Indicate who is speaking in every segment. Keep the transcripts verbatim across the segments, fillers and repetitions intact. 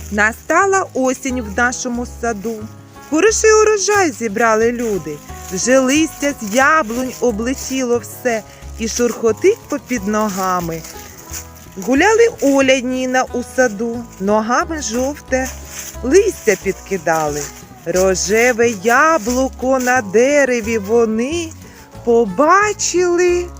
Speaker 1: Настала осінь в нашому саду. Хороший урожай зібрали люди. Вже листя з яблунь облетіло все і шурхотить попід ногами. Гуляли Оля й Ніна у саду, ногами жовте листя підкидали. Рожеве яблуко на дереві вони побачили,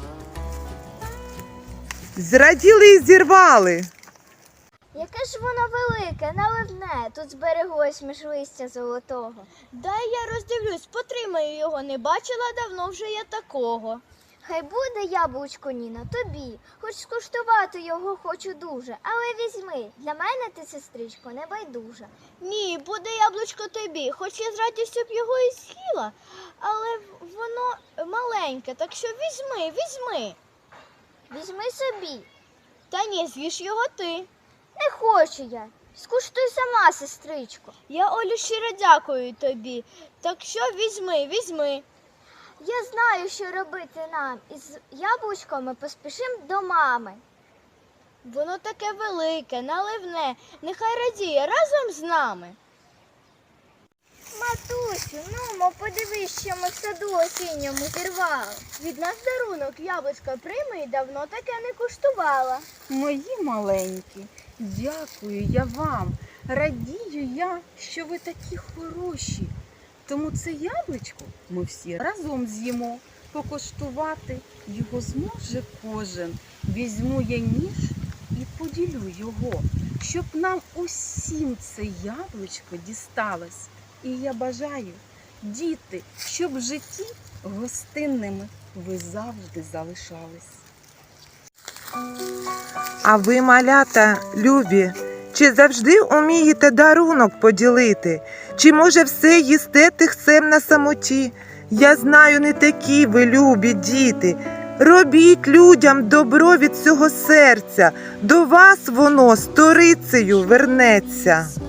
Speaker 1: зраділи й зірвали.
Speaker 2: Яке ж воно велике, наливне, тут збереглось між листя золотого.
Speaker 3: Дай я роздивлюсь, потримаю його, не бачила давно вже я такого.
Speaker 2: Хай буде яблучко, Ніно, тобі. Хоч скуштувати його хочу дуже, але візьми, для мене ти, сестричко, не байдужа.
Speaker 3: Ні, буде яблучко тобі, хоч я з радістю б його і з'їла, але воно маленьке, так що візьми, візьми.
Speaker 2: Візьми собі.
Speaker 3: Та ні, з'їж його ти.
Speaker 2: Не хочу я. Скуштуй сама, сестричко.
Speaker 3: Я, Олю, щиро дякую тобі, так що візьми, візьми.
Speaker 2: Я знаю, що робити нам. Із яблучком ми поспішимо до мами.
Speaker 3: Воно таке велике, наливне, нехай радіє разом з нами.
Speaker 2: Матусю, нумо, подивись, що ми в саду осінньому зірвали.
Speaker 3: Від нас дарунок яблучко прийми і давно таке не куштувала.
Speaker 4: Мої маленькі, дякую я вам. Радію я, що ви такі хороші. Тому це яблучко ми всі разом з'їмо. Покуштувати його зможе кожен. Візьму я ніж і поділю його, щоб нам усім це яблучко дісталось. І я бажаю, діти, щоб в житті гостинними ви завжди залишались.
Speaker 1: А ви, малята, любі, чи завжди умієте дарунок поділити? Чи, може, все їсте тихцем на самоті? Я знаю, не такі ви, любі діти. Робіть людям добро від цього серця. До вас воно сторицею вернеться.